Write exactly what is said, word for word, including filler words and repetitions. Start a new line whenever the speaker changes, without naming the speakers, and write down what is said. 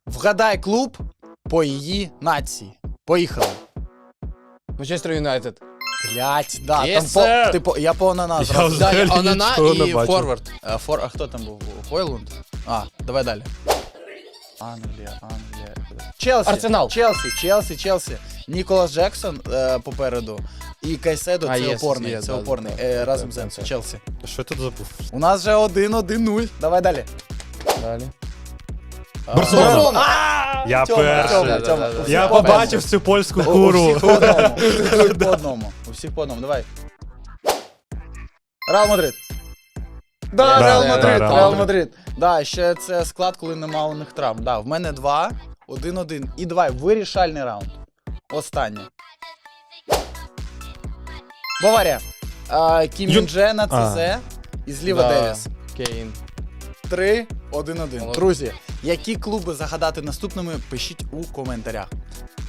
Вгадай клуб по її нації. Поїхали.
Манчестер Юнайтед.
Блять, да,
Yes,
там по,
sir.
ти по, я по Онана
Я
зразу.
взагалі
Да, я Онана
нічого не
і
бачив.
Форвард.
Е, Фор, а хто там був? Хойлунд? А, давай далі. Англія, Англія. Челсі.
Арсенал.
Челсі, Челсі, Челсі. Ніколас Джексон е, попереду. І Кайседо,
А,
це
є,
опорний,
є,
це
да,
опорний.
да,
Е,
да,
разом
да,
з
да,
Енсо,
да.
Челсі.
Що ти забув?
У нас вже один один нуль. Давай далі.
Далі.
Барселона.
А,
Я
Тьома,
перший.
Тьома,
Да,
Тьома.
да, да.
У всіх
Я
по одному.
побачив цю польську
У- У
куру.
всіх по одному. У всіх по одному. У всіх по одному. Давай. Реал Мадрид. Да,
Да,
Реал
да,
Мадрид,
да,
Реал
да.
Мадрид. Да, ще це склад, коли нема у них травм. Да, в мене два, один-один. І давай, вирішальний раунд. Останнє. Баварія. А, Кім
Ю-
Мін Дже на
А.
ЦЗ і зліва
Да.
Девіс.
Кейн.
Три, один-один.
Молодець.
Друзі, які клуби загадати наступними, пишіть у коментарях.